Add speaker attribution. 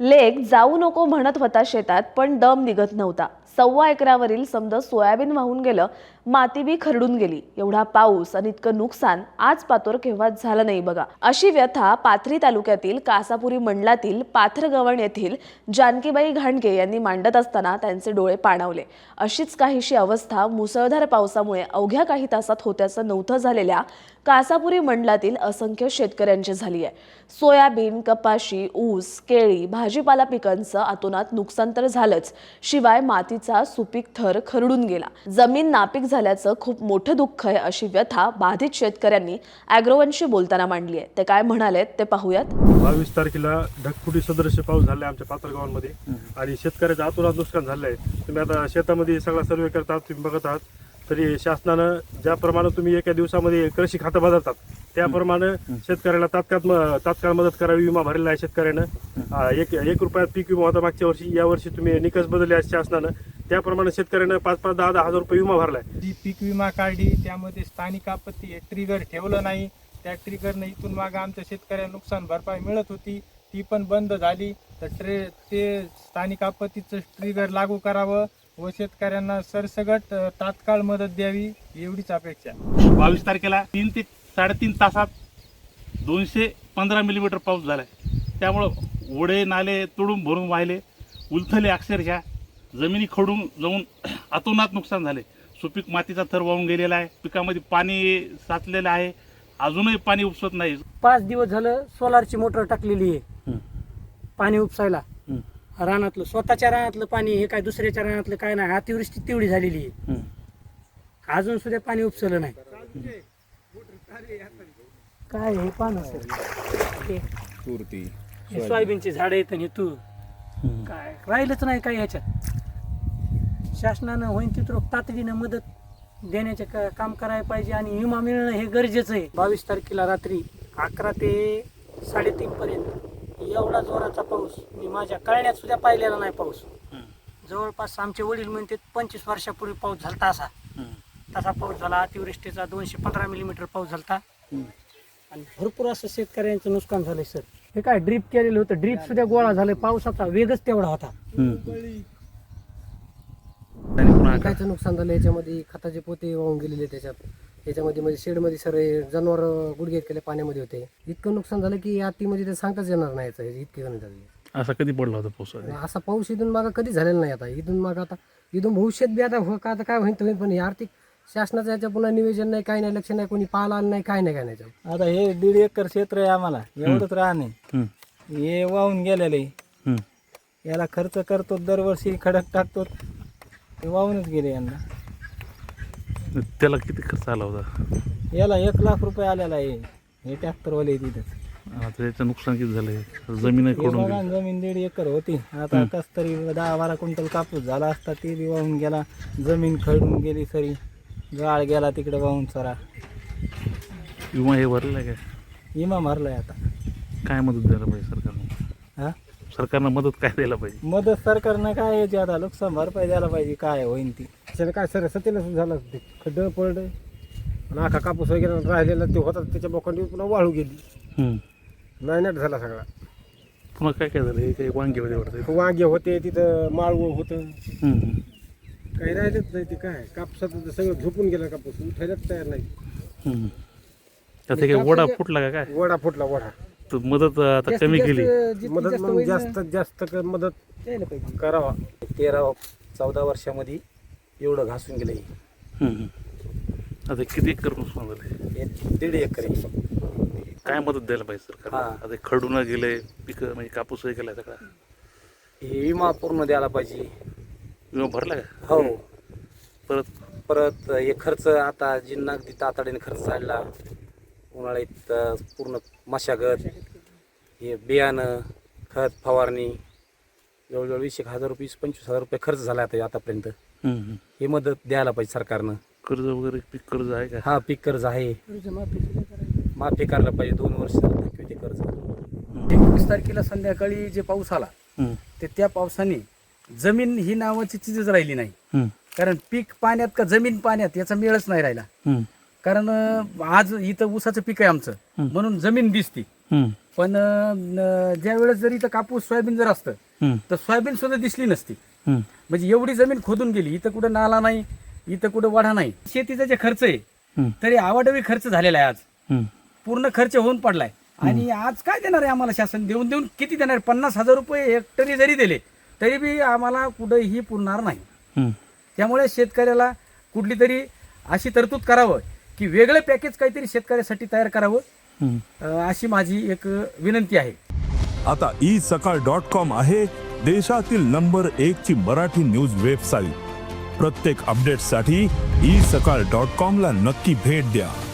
Speaker 1: लेक जाऊ नको म्हणत होता शेतात, पण दम निघत नव्हता. 1.25 एकरावरील समद सोयाबीन वाहून गेलं, माती बी खरडून गेली. एवढा पाऊस आणि इतकं नुकसान आज पातोर केव्हाच झालं नाही बघा. अशी व्यथा पाथरी तालुक्यातील कासापुरी मंडलातील पाथरगवण येथील जानकीबाई घाणगे यांनी मांडत असताना त्यांचे डोळे पाणावले. अशीच काहीशी अवस्था मुसळधार पावसामुळे अवघ्या काही तासात होत्याचं नव्हतं झालेल्या कासापुरी मंडलातील असंख्य शेतकऱ्यांची झाली आहे. सोयाबीन, कपाशी, ऊस, केळी, भाजीपाला पिकांचं अतोनात नुकसान तर झालंच, शिवाय मातीचा सुपीक थर खरडून गेला. जमीन नापीक झाल्याचं खूप मोठं दुःख आहे, अशी व्यथा बाधित शेतकऱ्यांनी अॅग्रोवनशी बोलताना मांडली आहे. ते काय म्हणालेत ते पाहूयात.
Speaker 2: 22 तारखेला ढगफुटी सदृश्य पाऊस झाला आमच्या पाथरगावांमध्ये आणि शेतकऱ्याचं अतोनात नुकसान झालं आहे. तुम्ही आता शेतामध्ये सगळा सर्वे करतात, तुम्ही बघत आहात. तरी शासनानं ज्याप्रमाणे तुम्ही एका दिवसामध्ये कृषी खातं बदलतात त्याप्रमाणे शेतकऱ्याला तात्काळ मदत करावी. विमा भरलेला आहे शेतकऱ्यानं. एक रुपयात पीक विमा होता मागच्या वर्षी. यावर्षी तुम्ही निकष बदलले आहेत शासनानं, त्याप्रमाणे शेतकऱ्यानं 5-5, 10-10 हजार रुपये विमा भरलाय.
Speaker 3: जी पीक विमा काढली त्यामध्ये स्थानिक आपत्ती हे ट्रिगर ठेवलं नाही. त्या ट्रिगरनं इथून मागं आमच्या शेतकऱ्यांना नुकसान भरपाई मिळत होती, ती पण बंद झाली. तर ते स्थानिक आपत्तीचं ट्रिगर लागू करावं व शेतकऱ्यांना सरसगट तात्काळ मदत द्यावी एवढीच अपेक्षा.
Speaker 4: 22 तारखेला 3 ते 3.5 तासात 215 मिलीमीटर पाऊस झालाय. त्यामुळं ओढे नाले तुडून भरून वाहिले, उलथले अक्षरशः. जमिनी खडून जाऊन अतोनात नुकसान झाले. सुपीक मातीचा थर वाहून गेलेला आहे. पिकामध्ये पाणी साचलेलं आहे, अजूनही पाणी उपसत नाही.
Speaker 5: 5 दिवस झालं सोलारची मोटर टाकलेली आहे पाणी उपसायला. रानातलं स्वतःच्या रानातलं पाणी, हे काय दुसऱ्याच्या रानातलं काय नाही. अतिवृष्टी तेवढी झालेली आहे, अजून सुद्धा पाणी उपसलं नाही. काय हे पान असेल, हे सोयाबीनची झाडं आहेत आणि तू काय राहिलंच नाही काय ह्याच्यात. शासनानं होईन तिथं तातडीनं मदत देण्याचे काम करायला पाहिजे आणि विमा मिळणं हे गरजेचं आहे. 22 तारखेला रात्री 11 ते 3:30 पर्यंत एवढा जोराचा पाऊस मी माझ्या कळण्यात सुद्धा पाहिलेला नाही. पाऊस जवळपास आमचे वडील म्हणते 25 वर्षापूर्वी पाऊस झाला तसा पाऊस झाला. अतिवृष्टीचा 215 मिलीमीटर पाऊस झाला आणि भरपूर असं शेतकऱ्यांचं नुकसान झालंय सर. हे काय ड्रीप केलेलं होतं, ड्रीप सुद्धा गोळा झालंय. पावसाचा वेगच तेवढा होता.
Speaker 6: पिकाचं नुकसान झालं. याच्यामध्ये खताचे पोते वाहून गेलेले त्याच्यामध्ये म्हणजे शेडमध्ये सगळे जनावर गुडघे केले पाण्यामध्ये होते. इतकं नुकसान झालं की आतीमध्ये ते सांगताच येणार नाही. इतके कमी झाले.
Speaker 4: असा कधी पडला होता पाऊस?
Speaker 6: असा पाऊस इथून मागं कधी झालेला नाही. आता इथून भविष्यात बी आता काय होईल पण हे आर्थिक शासनाचं याच्या पुन्हा नियोजन नाही, काही नाही, लक्ष नाही, कोणी पाहायला आलं नाही, काय नाही.
Speaker 3: आता हे 1.5 एकर क्षेत्र आहे आम्हाला, एवढंच राहणे हे वाहून गेलेलं आहे. याला खर्च करतो, दरवर्षी खडक टाकतो, ते वाहूनच गेले. यांना
Speaker 4: त्याला किती खर्च आला होता?
Speaker 3: याला 1 लाख रुपये आलेला आहे. हे ट्रॅक्टरवाले तिथं.
Speaker 4: आता त्याचं नुकसान किती झालंय? जमीन खडून
Speaker 3: जमीन 1.5 एकर होती. आता कस तरी 10-12 क्विंटल कापूस झाला असता, ते बी वाहून गेला. जमीन खडून गेली सरी, गाळ गेला तिकडे वाहून सारा.
Speaker 4: विमा हे भरलाय काय?
Speaker 3: विमा मारलाय. आता
Speaker 4: काय मदत द्यायला पाहिजे सरकारनं?
Speaker 3: हा
Speaker 4: सरकारनं मदत काय द्यायला पाहिजे?
Speaker 3: मदत सरकारनं काय याची आता नुकसान भरपाई द्यायला पाहिजे. काय होईन ती
Speaker 6: त्याच्यानं काय सर सतीला झालं, ते खड्डं पडलं आणि आखा कापूस वगैरे राहिलेला ते होता त्याच्या बोकांडी पुन्हा वाळू गेली. नायनाट झाला सगळा.
Speaker 4: पुन्हा काय काय झालं? हे काही वांगे वगैरे वाटतं?
Speaker 6: वांगे होते तिथं, माळवं होतं, काही राहिलंच नाही. ते काय कापसाचं सगळं झोपून गेलं. कापूस उठायलाच तयार नाही.
Speaker 4: त्यात काही वडा फुटला का काय?
Speaker 6: वडा फुटला. वडा
Speaker 4: तर मदत आता कमी केली.
Speaker 6: मदत मग जास्तीत जास्त मदत करावा.
Speaker 7: 13-14 वर्षामध्ये एवढं घासून गेलं.
Speaker 4: आता किती एकर नुकसान झालंय?
Speaker 7: 1.5 एकर आहे.
Speaker 4: काय मदत द्यायला पाहिजे सरकार? आता खडून गेले पिकं, म्हणजे कापूसही गेलाय सगळा.
Speaker 7: हे विमा पूर्ण द्यायला पाहिजे.
Speaker 4: विमा भरला का?
Speaker 7: हो. परत हे खर्च आता जिन्ना अगदी तातडीने खर्च झाला. उन्हाळ्यात पूर्ण मशागत, हे बियाणं, खत, फवारणी जवळजवळ 20,000 रुपये 25,000 रुपये खर्च झाला आता आतापर्यंत. हे मदत द्यायला पाहिजे सरकारनं.
Speaker 4: कर्ज वगैरे पीक कर्ज आहे का?
Speaker 7: हा, पीक कर्ज आहे, माफी करायला पाहिजे. 2 वर्ष ते कर्ज.
Speaker 8: 21 तारखेला संध्याकाळी जे पाऊस आला ते त्या पावसाने जमीन ही नावाची चीजच राहिली नाही. कारण पीक पाण्यात का जमीन पाण्यात याचा मेळच नाही राहिला. कारण आज इथं ऊसाचं पीक आहे आमचं, म्हणून जमीन दिसती पण ज्या वेळेस जर इथं कापूस सोयाबीन जर असतं तर सोयाबीन सुद्धा दिसली नसती. म्हणजे एवढी जमीन खोदून गेली. इथं कुठं नाला नाही, इथं कुठं वाढा नाही. शेतीचा जे खर्च आहे तरी आवाडवी खर्च झालेला आहे. आज पूर्ण खर्च होऊन पडलाय. आणि आज काय देणार आहे आम्हाला शासन? देऊन देऊन किती देणार? 50,000 रुपये हेक्टरी जरी दिले तरी बी आम्हाला कुठंही पुरणार नाही. त्यामुळे शेतकऱ्याला कुठली तरी अशी तरतूद करावं की वेगळं पॅकेज काहीतरी शेतकऱ्यासाठी तयार करावं, अशी माझी एक विनंती आहे.
Speaker 9: आता isakal.com आहे देशातील नंबर 1 ची मराठी न्यूज वेबसाईट. प्रत्येक अपडेटसाठी isakal.com ला नक्की भेट द्या.